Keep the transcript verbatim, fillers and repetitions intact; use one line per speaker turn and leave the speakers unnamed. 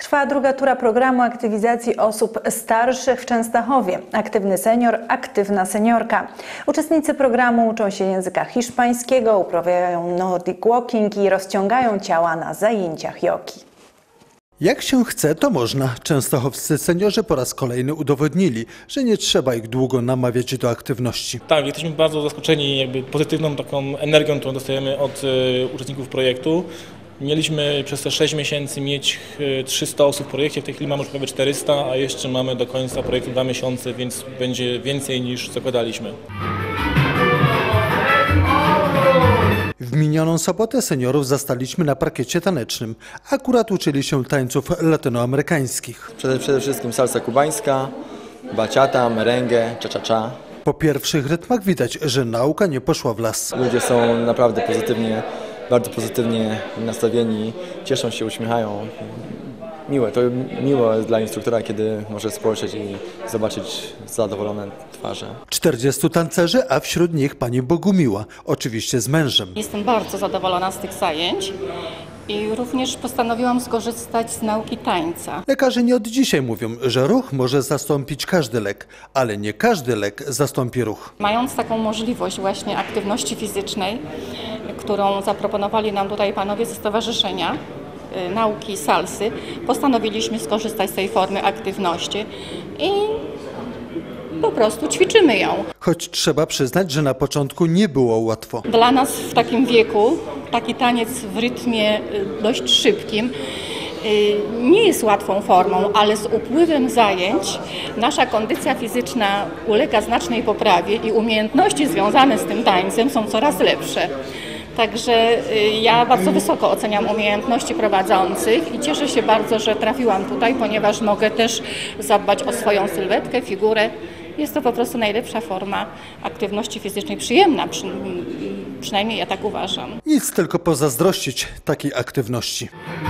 Trwa druga tura programu aktywizacji osób starszych w Częstochowie. Aktywny senior, aktywna seniorka. Uczestnicy programu uczą się języka hiszpańskiego, uprawiają nordic walking i rozciągają ciała na zajęciach jogi.
Jak się chce, to można. Częstochowscy seniorzy po raz kolejny udowodnili, że nie trzeba ich długo namawiać do aktywności.
Tak, jesteśmy bardzo zaskoczeni jakby pozytywną taką energią, którą dostajemy od y, uczestników projektu. Mieliśmy przez te sześć miesięcy mieć trzysta osób w projekcie, w tej chwili mamy już prawie czterysta, a jeszcze mamy do końca projektu dwa miesiące, więc będzie więcej niż zakładaliśmy.
W minioną sobotę seniorów zastaliśmy na parkiecie tanecznym. Akurat uczyli się tańców latynoamerykańskich.
Przede, przede wszystkim salsa kubańska, baciata, merengue, cha-cha-cha.
Po pierwszych rytmach widać, że nauka nie poszła w las.
Ludzie są naprawdę pozytywnie, bardzo pozytywnie nastawieni, cieszą się, uśmiechają. Miłe, to miło jest dla instruktora, kiedy może spojrzeć i zobaczyć zadowolone twarze.
czterdziestu tancerzy, a wśród nich pani Bogumiła, oczywiście z mężem.
Jestem bardzo zadowolona z tych zajęć i również postanowiłam skorzystać z nauki tańca.
Lekarze nie od dzisiaj mówią, że ruch może zastąpić każdy lek, ale nie każdy lek zastąpi ruch.
Mając taką możliwość właśnie aktywności fizycznej, którą zaproponowali nam tutaj panowie ze stowarzyszenia nauki salsy, postanowiliśmy skorzystać z tej formy aktywności i po prostu ćwiczymy ją.
Choć trzeba przyznać, że na początku nie było łatwo.
Dla nas w takim wieku taki taniec w rytmie dość szybkim nie jest łatwą formą, ale z upływem zajęć nasza kondycja fizyczna ulega znacznej poprawie i umiejętności związane z tym tańcem są coraz lepsze. Także ja bardzo wysoko oceniam umiejętności prowadzących i cieszę się bardzo, że trafiłam tutaj, ponieważ mogę też zadbać o swoją sylwetkę, figurę. Jest to po prostu najlepsza forma aktywności fizycznej, przyjemna, przy, przynajmniej ja tak uważam.
Nic, tylko pozazdrościć takiej aktywności.